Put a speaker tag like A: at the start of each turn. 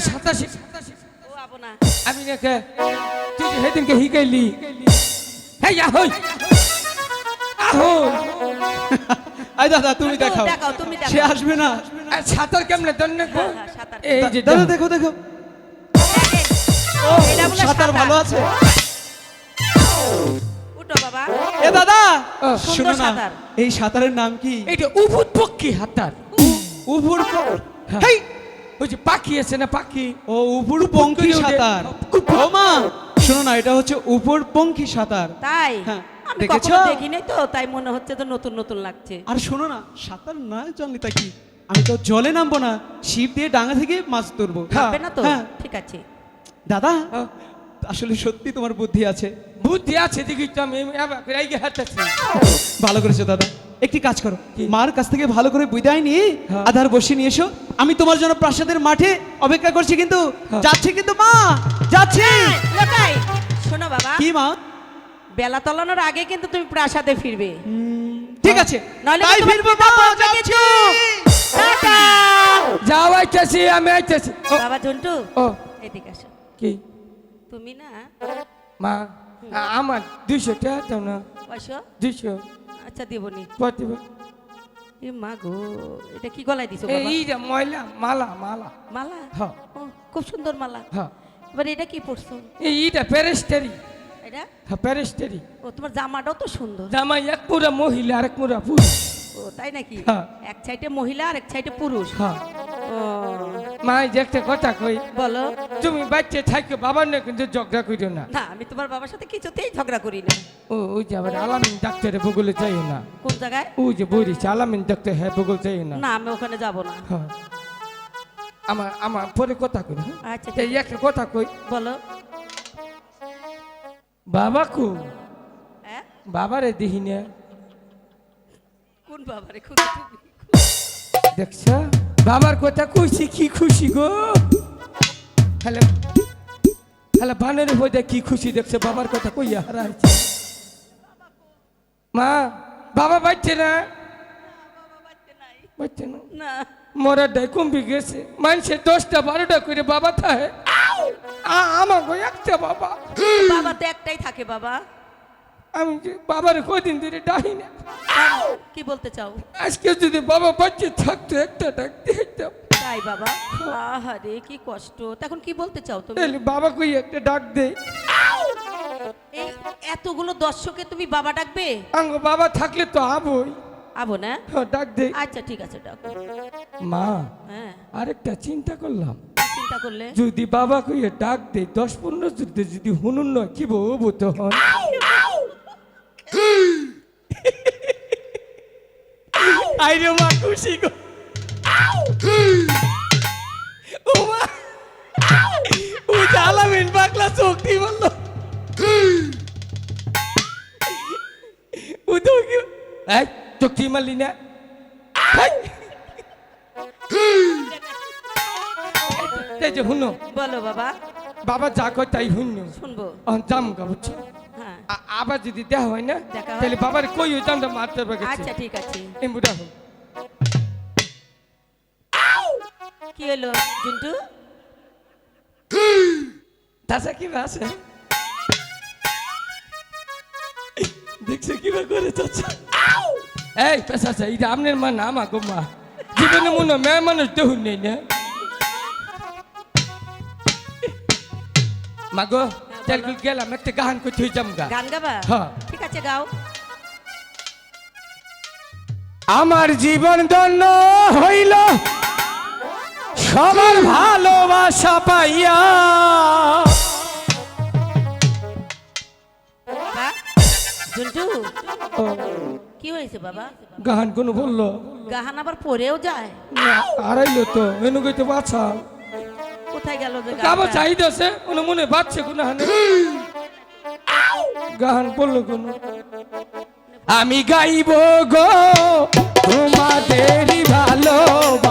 A: সাঁতার
B: ও আবো না
A: আমি নাকি তুই যে সেদিনকে শিকাইলি হ্যাঁ আহই আহই
C: আই দাদা তুমি দেখাও
B: দেখাও তুমি
C: সে
B: দেখাও
C: আসবে না
A: আর সাঁতার কেমনে জানেন না
B: হ্যাঁ, হ্যাঁ, সাঁতার।
A: এই যে
C: দাদা দেখো দেখো
B: ও এটা বলে
C: সাঁতার ভালো আছে
B: উঠো বাবা
C: এ দাদা
A: ও,
C: শোনো না
B: সাঁতার।
C: এই সাঁতারের নাম কি
A: এইটা উভুত পক্ষী হাতার
C: উভুর
A: হ্যাঁ।
C: হেই
A: ওই যে পাখি আছে না পাখি
C: ও উপর পঙ্খী সাঁতার ও মা শোনো না এটা হচ্ছে উপর পঙ্খী সাঁতার
B: তাই
C: হ্যাঁ,
B: আমি
C: দেখেছো?
B: কখনো দেখিনি তো তাই মনে হচ্ছে তো নতুন নতুন লাগছে
C: আর শোনো না সাঁতার না জানলে তা কি আমি তো জলে নামবো না ছিপ দিয়ে ডাঙা থেকে মাছ ধরবো
A: হ্যাঁ।
B: হবে না তো
C: হ্যাঁ।
B: ঠিক আছে
C: দাদা
A: হ্যাঁ।
C: আসলে সত্যি তোমার বুদ্ধি আছে
A: বুদ্ধি আছে দেখি তো আমি এবার করে আইগে হাঁটাচ্ছি
C: ভালো করেছো দাদা একটি কাজ করো
A: কি?
C: মার কাছ থেকে ভালো করে বিদায় নিয়ে
A: হ্যাঁ।
C: আধার বসে নিয়ে এসো আমি তোমার জন্য প্রাসাদের মাঠে অপেক্ষা করছি কিন্তু
A: হ্যাঁ।
C: যাচ্ছে কিন্তু মা যাচ্ছে
B: লোকাই শোনো বাবা
C: কি মা
B: বেলা তলানোর আগে কিন্তু তুমি প্রাসাদে ফিরবে
C: ঠিক আছে
B: নইলে
C: তাই
B: কিন্তু
C: ফিরবো
B: তোমার
C: মা,
B: পিতা
C: যাচ্ছি।
B: টাটা।
A: যাও আইতেছি আমি আইতেছি ও
B: বাবা ঝন্টু
A: ও
B: এদিকে আসো
A: কি
B: তুমি না
A: মা আমার 200 টাকা দাও না
B: বসো
A: 200
B: আচ্ছা দেবনি
A: পাঠিব
B: এ মা গো এটা কি গলায় দিছো বাবা
A: এই যে ময়লা মালা মালা
B: মালা
A: হ্যাঁ
B: ও খুব সুন্দর মালা
A: হ্যাঁ
B: এবার এটা কি পরছো
A: এইটা প্যারেস্টারি
B: এটা
A: হ্যাঁ প্যারেস্টারি
B: ও তোমার জামাটাও তো সুন্দর
A: জামাই এক পুরা মহিলা আর এক পুরা পুরুষ
B: ও তাই নাকি
A: হ্যাঁ।
B: এক সাইডে মহিলা আর এক সাইডে পুরুষ
A: হ্যাঁ
B: ও
A: মা এই যে একটা কথা কই
B: বলো
A: তুমি বাচ্চা থাকো বাবার না কিন্তু ঝগড়া করিও না
B: না আমি তোমার বাবার সাথে কিছুতেই ঝগড়া করি না
A: ও ওই যে আবার আলামিন ডাক্তারে বগুলে যাইও না
B: কোন জায়গায়
A: ওই যে বইরিছে আলামিন ডাক্তার হ্যাঁ বগুল যাইও না
B: না আমি ওখানে যাব না
A: হ্যাঁ আমার আমার পরে কথা কই হ্যাঁ?
B: আচ্ছা
A: এই একটা কথা কই
B: বলো
A: বাবা কো
B: হ্যাঁ
A: বাবারে দিহি না
B: কোন বাবারে খুঁজে তুমি
A: দেখছ বাবার কথা কইছি কি খুশি গো হ্যালো হ্যালো বানের হয়ে কি খুশি দেখছে বাবার কথা কইয়া হারাইছে মা বাবা বাচ্চে না বাচ্চে না
B: না
A: মরা ডাই কমবি গেছে মানুষে 10টা 12টা করে বাবা থাকে আমাকে একটা বাবা
B: বাবা তো একটাই থাকে বাবা
A: আমি যে বাবার কদিন ধরে ডাহি না
B: কি বলতে চাও
A: আজকে যদি বাবা বাচ্চা থাকতো একটা ডাকতে হইতাম
B: তাই বাবা আহারে কি কষ্ট তখন কি বলতে চাও তুমি
A: তাহলে বাবা কই একটা ডাক দে
B: এই এতগুলো দর্শকে তুমি বাবা ডাকবে
A: আঙ্গ বাবা থাকলে তো আবই
B: আবো না
A: ডাক দে
B: আচ্ছা ঠিক আছে ডাকো
A: মা
B: হ্যাঁ
A: আরেকটা চিন্তা করলাম
B: কি চিন্তা করলে
A: যদি বাবা কইয়ে ডাক দে 10-15 যুদ্ধে যদি হুনুন নয় কি বলবো তখন আইরে মা খুশি গো ও মা ও জালামিন পাগলা শক্তি বললো ও তো কি এই চোখটি মারলি না এই যে হুনো
B: বলো বাবা
A: বাবা যা কয় তাই হুনো
B: শুনবো
A: জাম গা বুঝছো
B: হ্যাঁ
A: আবার যদি দেখা হয় না
B: দেখা হয়?
A: তাহলে বাবার কই ওই জামটা মারতে পারবে
B: আচ্ছা ঠিক আছে
A: এই বুড়া হোক
B: কি হলো জুন্টু
A: তাছা কি আছে দেখছো কিবা করে চাচা এই পেশা এটা আপনার মা না আমার গো মা জীবনে মনে হয় মেয়ে মানুষ দেখুন নেই না মা গো তেলগুল গেলাম একটা গান করতে হয়ে যাম গা
B: গান গাবা
A: হ্যাঁ।
B: ঠিক আছে গাও
A: আমার জীবন ধন্য হইল সবার ভালোবাসা পাইয়া
B: বাবা জুন্টু
A: ও,
B: কি হয়েছে বাবা
A: গান কোন বললো
B: গাহান আবার পরেও যায়
A: আড়াইলো তো এনু গইতে বাছা
B: কোথায় গেল যে
A: কাবা
B: গানটা?
A: চাইতেছে কোনো মনে বাচ্চে কোনো হানে গান বললো কোন আমি গাইব গো তোমাদেরই ভালো